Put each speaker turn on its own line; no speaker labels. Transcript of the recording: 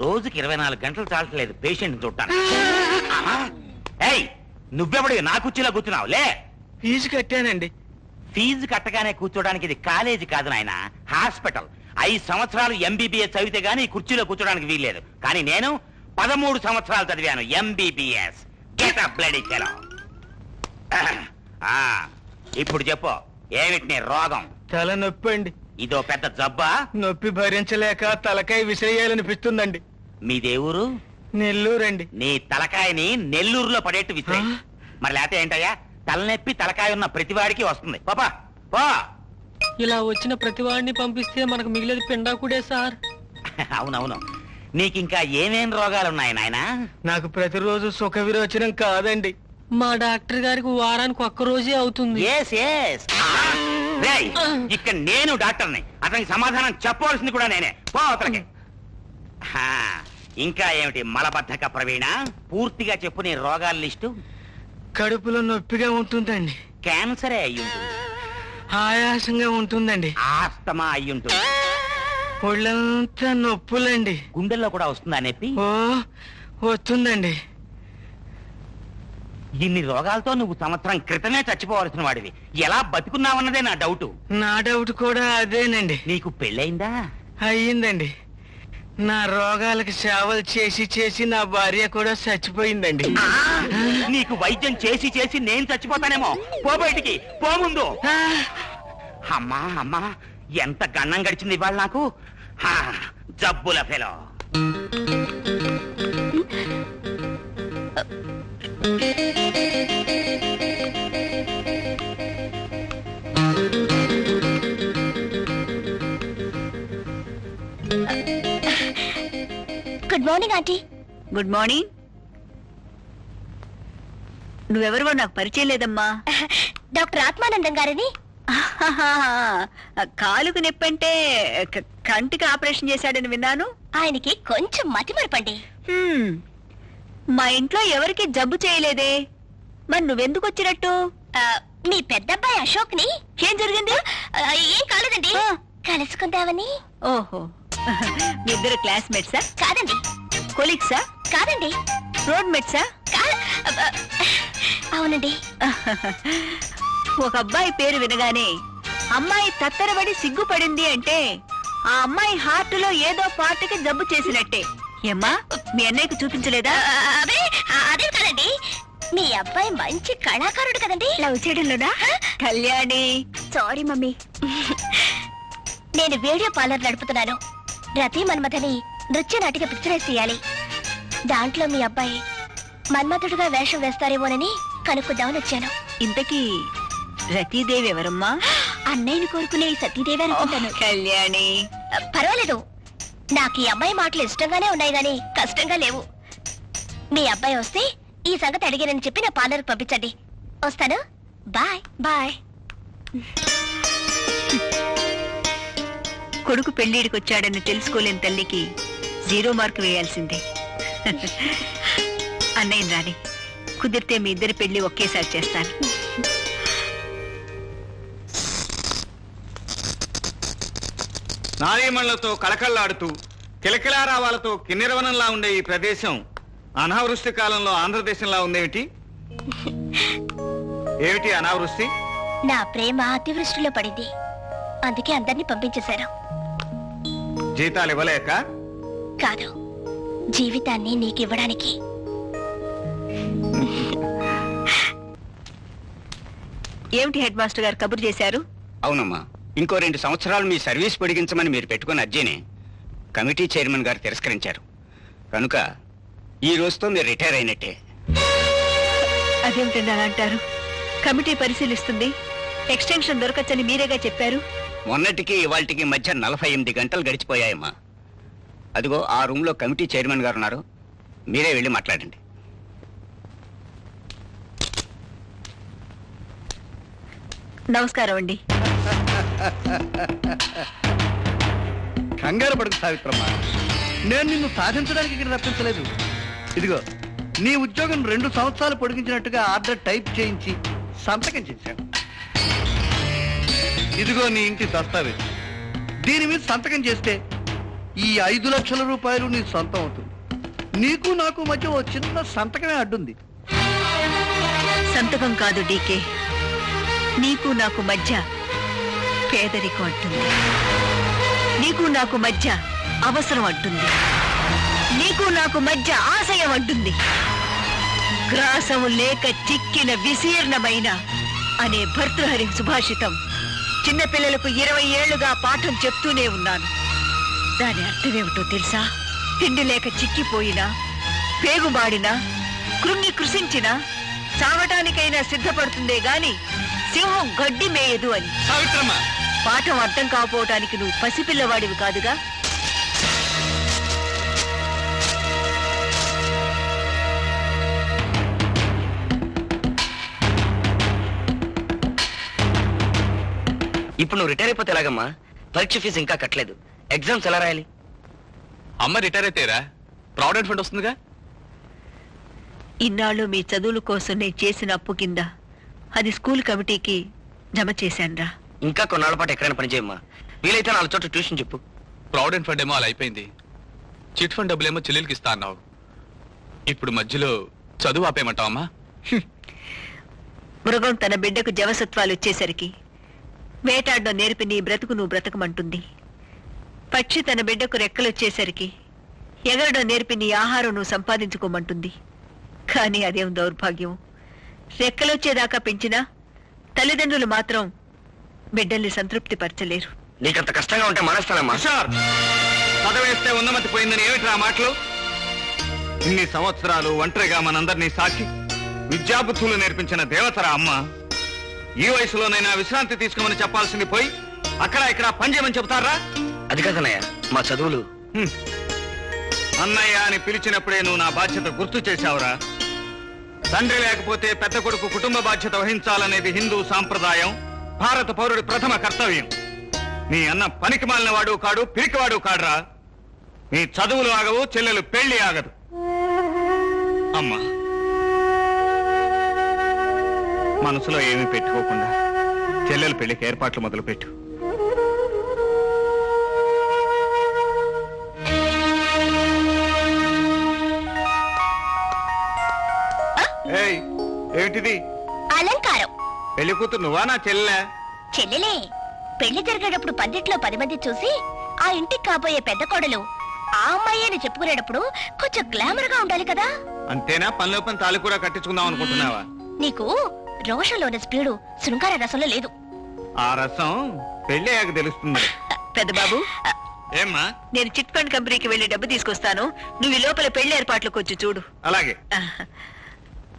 రోజుకి 24 గంటలు చాలట్లేదు పేషెంట్ చూడటాను. ఏయ్, నువ్వెవడివి నా కుర్చీలో కూర్చున్నావు? లే.
ఫీజు కట్టానండి.
ఫీజు కట్టగానే కూర్చోడానికి ఇది కాలేజీ కాదు నాయన, హాస్పిటల్. 5 సంవత్సరాలు ఎంబీబీఎస్ చదివితే గానీ ఈ కుర్చీలో కూర్చోడానికి వీల్లేదు. కానీ నేను 13 సంవత్సరాలు చదివాను MBBS. Get up bloody fellow. ఇప్పుడు చెప్పు, ఏమిటి నీ రోగం?
తల నొప్పి అండి.
ఇదో పెద్ద జబ్బా?
నొప్పి భరించలేక తలకాయ విసిరేయాలనిపిస్తుందండి.
మీ దేవురు?
నెల్లూరండి.
నీ తలకాయని నెల్లూరులో పడేట్టు విసిరే. మరి లేకపోతే ఏంటయ్యా, తలనొప్పి తలకాయ ఉన్న ప్రతివాడికి వస్తుంది. పాపా పో.
ఇలా వచ్చిన ప్రతివాడిని పంపిస్తే మనకు మిగిలేదు పిండాకుడే సార్.
అవునవును. నీకింకా ఏమేం రోగాలున్నాయి నాయనా?
నాకు ప్రతిరోజు సుఖ విరోచనం కాదండి.
మా డాక్టర్ గారికి వారానికి ఒక్క రోజే అవుతుంది.
ఇక్కడ నేను డాక్టర్ని, అతనికి సమాధానం చెప్పవలసింది కూడా నేనే. పో అతనికి. ఇంకా ఏమిటి మలబద్ధక ప్రవీణ? పూర్తిగా చెప్పు నీ రోగాల లిస్టు.
కడుపులో నొప్పిగా ఉంటుందండి.
క్యాన్సరే అయ్యుంటుంది.
ఆయాసంగా ఉంటుందండి.
ఆస్తమా అయ్యుంటుంది.
ఒళ్ళంతా నొప్పులండి.
గుండెల్లో కూడా వస్తుందా నొప్పి?
ఓ వస్తుందండి.
ఇన్ని రోగాలతో నువ్వు సంవత్సరం క్రితమే చచ్చిపోవలసిన వాడివి. ఎలా బతుకున్నావన్నదే నా డౌట్.
నా డౌట్ కూడా అదేనండి.
నీకు పెళ్ళయిందా?
అయ్యిందండి. నా రోగాలకు సేవలు చేసి చేసి నా భార్య కూడా చచ్చిపోయిందండి.
నీకు వైద్యం చేసి చేసి నేను చచ్చిపోతానేమో. పో బయటికి, పో ముందు. అమ్మా అమ్మా, ఎంత గన్నం గడిచింది ఇవాళ నాకు. జబ్బుల fellow.
Good morning aunty.
Good morning. నువ్వెవరివో నాకు పరిచయం లేదమ్మా.
డాక్టర్ ఆత్మానందం గారని.
కాలుకు నొప్పంటే కంటికి ఆపరేషన్ చేశాడని విన్నాను.
ఆయనకి కొంచెం మతిమరపండి.
మా ఇంట్లో ఎవరికి జబ్బు చేయలేదే, మరి నువ్వెందుకు వచ్చినట్టు?
మీ పెద్దబ్బాయి అశోక్ ని.
ఏం జరిగింది?
ఏం కాలేదండి, కలుసుకుందామని.
ఓహో, మీ ఇద్దరు క్లాస్మేట్సా?
కాదండి.
కొలీగ్సా?
కాదండి.
రోడ్ మేట్సా?
అవునండి.
ఒక అబ్బాయి పేరు వినగానే అమ్మాయి తత్తరబడి సిగ్గుపడింది అంటే ఆ అమ్మాయి హార్ట్ లో ఏదో పార్టీకి జబ్బు చేసినట్టే. ఏమ్మా, మీ అన్నయ్యకు చూపించలేదా?
అదే కాదండి, మీ అబ్బాయి మంచి కళాకారుడు కదండి.
లవ్ చేయడంలోనా? కళ్యాణి.
Sorry mummy. నేను వీడియో పార్లర్ నడుపుతున్నాను. రతి మన్మథని నృత్య నాటిక పిక్చరైజ్ చేయాలి. దాంట్లో మీ అబ్బాయి మన్మథుడుగా వేషం వేస్తారేమోనని కనుక్కుందామని వచ్చాను.
ఇంతకీ రతీదేవి ఎవరమ్మా?
అన్నయ్యని కోరుకునే సతీదేవి అనుకుంటాను.
కళ్యాణి.
పర్వాలేదు, నాకు ఈ అమ్మాయి మాటలు ఇష్టంగానే ఉన్నాయి గాని కష్టంగా లేవు. మీ అబ్బాయి వస్తే ఈ సంగతి అడిగానని చెప్పి నా పార్లర్ పంపించండి. వస్తాను. Bye bye.
కొడుకు పెళ్లిడికొచ్చాడని తెలుసుకోలేని తల్లికి 0 మార్కు వేయాల్సిందే. అన్నయ్య రాని కుదిరితే మీ ఇద్దరి పెళ్లి ఒకేసారి చేస్తాను.
నారీమణులతో కళకళ్లాడుతూ కిలకిలారావాలతో కిన్నెరవనంలా ఉండే ఈ ప్రదేశం అనావృష్టి కాలంలో ఆంధ్రదేశంలా ఉందేమిటి? ఏమిటి అనావృష్టి?
నా ప్రేమ అతివృష్టిలో పడింది, అందుకే అందరినీ పంపించేశారు.
జీతాలు ఇవ్వలేక
కాదు, జీవితాన్ని నీకివ్వడానికి.
ఏమిటి హెడ్ మాస్టర్ గారు కబురు చేశారు?
అవునమ్మా, ఇంకో 2 సంవత్సరాలు మీ సర్వీస్ పొడిగించమని మీరు పెట్టుకున్న అర్జీని కమిటీ చైర్మన్ గారు తిరస్కరించారు. కనుక ఈ రోజుతో మీరు రిటైర్ అయినట్టే.
అదేమిటండి అలా అంటారు? కమిటీ పరిశీలిస్తుంది, ఎక్స్టెన్షన్ దొరకచ్చని మీరేగా చెప్పారు.
మొన్నటికి ఇవాళకి మధ్య 48 గంటలు గడిచిపోయాయమ్మా. అదిగో ఆ రూమ్ లో కమిటీ చైర్మన్ గారు ఉన్నారు, మీరే వెళ్ళి మాట్లాడండి.
నమస్కారం అండి.
కంగారు పడుకు సావిత్రమ్మ, నేను నిన్ను సాధించడానికి ఇక్కడ రప్పించలేదు. ఇదిగో నీ ఉద్యోగం 2 సంవత్సరాలు పొడిగించినట్టుగా ఆర్డర్ టైప్ చేయించి సంతకం చేశాను. ఇదిగో నీ ఇంటి దస్తావేజ్. దీని మీద సంతకం చేస్తే ఈ 5 లక్షల రూపాయలు నీ సొంతం అవుతుంది. నీకు నాకు మధ్య ఓ చిన్న సంతకమే అడ్డుంది.
సంతకం కాదు డీకే, నీకు నాకు మధ్య పేదరికం అంటుంది. నీకు నాకు మధ్య అవసరం అంటుంది. నీకు నాకు మధ్య ఆశయం అంటుంది. గ్రాసము లేక చిక్కిన విశీర్ణమైన అనే భర్తృహరి సుభాషితం చిన్నపిల్లలకు 20 ఏళ్లుగా పాఠం చెప్తూనే ఉన్నాను. దాని అర్థమేమిటో తెలుసా? తిండి లేక చిక్కిపోయినా, పేగుబాడినా, కృంగి కృషించినా చావటానికైనా సిద్ధపడుతుందే గాని సింహం గడ్డి మేయదు అని.
సావిత్రమ్మ,
పాఠం అర్థం కాకపోవటానికి నువ్వు పసిపిల్లవాడివి కాదుగా.
ఇప్పుడు నువ్వు రిటైర్ అయిపోతే ఎలాగమ్మా? పరీక్ష ఫీజు ఇంకా కట్టలేదు. ఎగ్జామ్స్ ఎలా రాయాలి?
అమ్మ రిటైర్ అయితేరా ప్రావిడెంట్ ఫండ్ వస్తుందిగా.
ఇన్నాళ్ళు మీ చదువుల కోసం నేను చేసిన అప్పు కింద అది స్కూల్ కమిటీకి జమ చేశానురా.
ఇంకా కొన్నాళ్ళ పాటు ఎక్కడైనా పని చేయమ్మా. వీలైతే 4 చోట్ల ట్యూషన్ చెప్పు.
ప్రావిడెంట్ ఫండ్ ఏమో అలా అయిపోయింది. చిట్ ఫండ్ డబ్బులేమో చెల్లెలకి ఇస్తా అన్నావు. ఇప్పుడు మధ్యలో చదువు ఆపేయమంటావమ్మా?
మృగం తన బిడ్డకు జవసత్వాలు వచ్చేసరికి వేటాడడం నేర్పి నీ బ్రతుకు నువ్వు బ్రతకమంటుంది. పక్షి తన బిడ్డకు రెక్కలొచ్చేసరికి ఎగరడం నేర్పి నీ ఆహారం నువ్వు సంపాదించుకోమంటుంది. కానీ అదేం దౌర్భాగ్యం. రెక్కలొచ్చేదాకా పెంచినా తల్లిదండ్రులు మాత్రం బిడ్డల్ని సంతృప్తి పరచలేరు.
నీకంత కష్టంగా ఉంటే మానేస్తానమ్మా.
చదవేస్తే ఉన్నమతి పోయిందని ఏమిట్రా మాటలు? ఇన్ని సంవత్సరాలు ఒంటరిగా మనందరినీ సాకి విద్యాబుద్ధులు నేర్పించిన దేవతరా అమ్మ. ఈ వయసులోనైనా విశ్రాంతి తీసుకోమని చెప్పాల్సింది పోయి అక్కడ ఇక్కడ పని చేయమని చెబుతారా?
అది కాదన్నయ్య, మా చదువులు.
అన్నయ్య అని పిలిచినప్పుడే నువ్వు నా బాధ్యత గుర్తు చేశావురా. తండ్రి లేకపోతే పెద్ద కొడుకు కుటుంబ బాధ్యత వహించాలనేది హిందూ సాంప్రదాయం, భారత పౌరుడి ప్రథమ కర్తవ్యం. నీ అన్న పనికి మాలినవాడు కాడు, పిరికివాడు కాడురా. నీ చదువులు ఆగవు, చెల్లెలు పెళ్లి ఆగదు. అమ్మా, మనసులో ఏమీ పెట్టుకోకుండా చెల్లెలు పెళ్లికి ఏర్పాట్లు మొదలుపెట్టు. ఏయ్, ఏమిటిది?
అలంకారం.
పెళ్లి కూతురు నువ్వా నా చెల్లె?
చెల్లెలే. పెళ్లి జరిగేటప్పుడు పందిట్లో 10 మంది చూసి ఆ ఇంటికి కాబోయే పెద్ద కోడలు ఆ అమ్మాయి అని చెప్పుకునేటప్పుడు కొంచెం గ్లామర్ గా ఉండాలి కదా.
అంతేనా? పనిలో పని తాళి కూడా కట్టించుకుందాం అనుకుంటున్నావా?
నీకు రోషంలోని స్పీడు శృంగార రసంలో లేదు.
ఆ రసం పెళ్లి అయ్యాక తెలుస్తుంది.
పెద్ద బాబు,
ఏమ్మా?
నేను చిట్ ఫండ్ కంపెనీకి వెళ్లి డబ్బు తీసుకొస్తాను. నువ్వు ఈ లోపల పెళ్లి ఏర్పాట్లకు వచ్చి చూడు.
అలాగే.
ఆహ్.